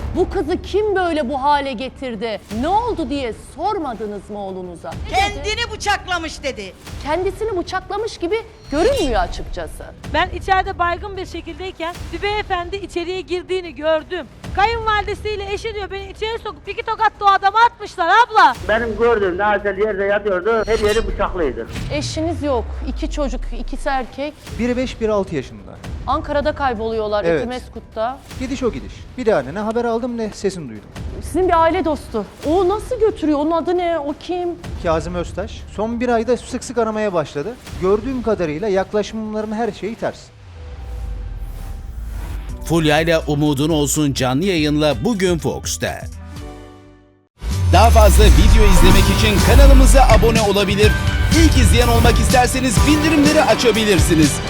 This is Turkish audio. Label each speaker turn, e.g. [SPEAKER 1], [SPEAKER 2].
[SPEAKER 1] Bu kızı kim böyle bu hale getirdi? Ne oldu diye sormadınız mı oğlunuza? Ne dedi?
[SPEAKER 2] Kendini bıçaklamış dedi.
[SPEAKER 1] Kendisini bıçaklamış gibi görünmüyor açıkçası.
[SPEAKER 3] Ben içeride baygın bir şekildeyken bir beyefendi içeriye girdiğini gördüm. Kayınvalidesiyle eşi diyor beni içeri sokup 2 tokat da o adama atmışlar abla.
[SPEAKER 4] Benim gördüğümde Aysel yerde yatıyordu, her yeri bıçaklıydı.
[SPEAKER 1] Eşiniz yok. 2 çocuk, ikisi erkek.
[SPEAKER 5] Biri 5, biri 6 yaşında.
[SPEAKER 1] Ankara'da kayboluyorlar,
[SPEAKER 5] Evet.
[SPEAKER 1] Etimeskut'ta.
[SPEAKER 5] Gidiş o gidiş. Bir daha ne haber aldım ne sesini duydum.
[SPEAKER 1] Sizin bir aile dostu. O nasıl götürüyor? Onun adı ne? O kim?
[SPEAKER 5] Kazım Öztaş son bir ayda sık sık aramaya başladı. Gördüğüm kadarıyla yaklaşımların her şeyi ters.
[SPEAKER 6] Fulya ile Umudun Olsun canlı yayınla bugün Fox'ta. Daha fazla video izlemek için kanalımıza abone olabilir. İlk izleyen olmak isterseniz bildirimleri açabilirsiniz.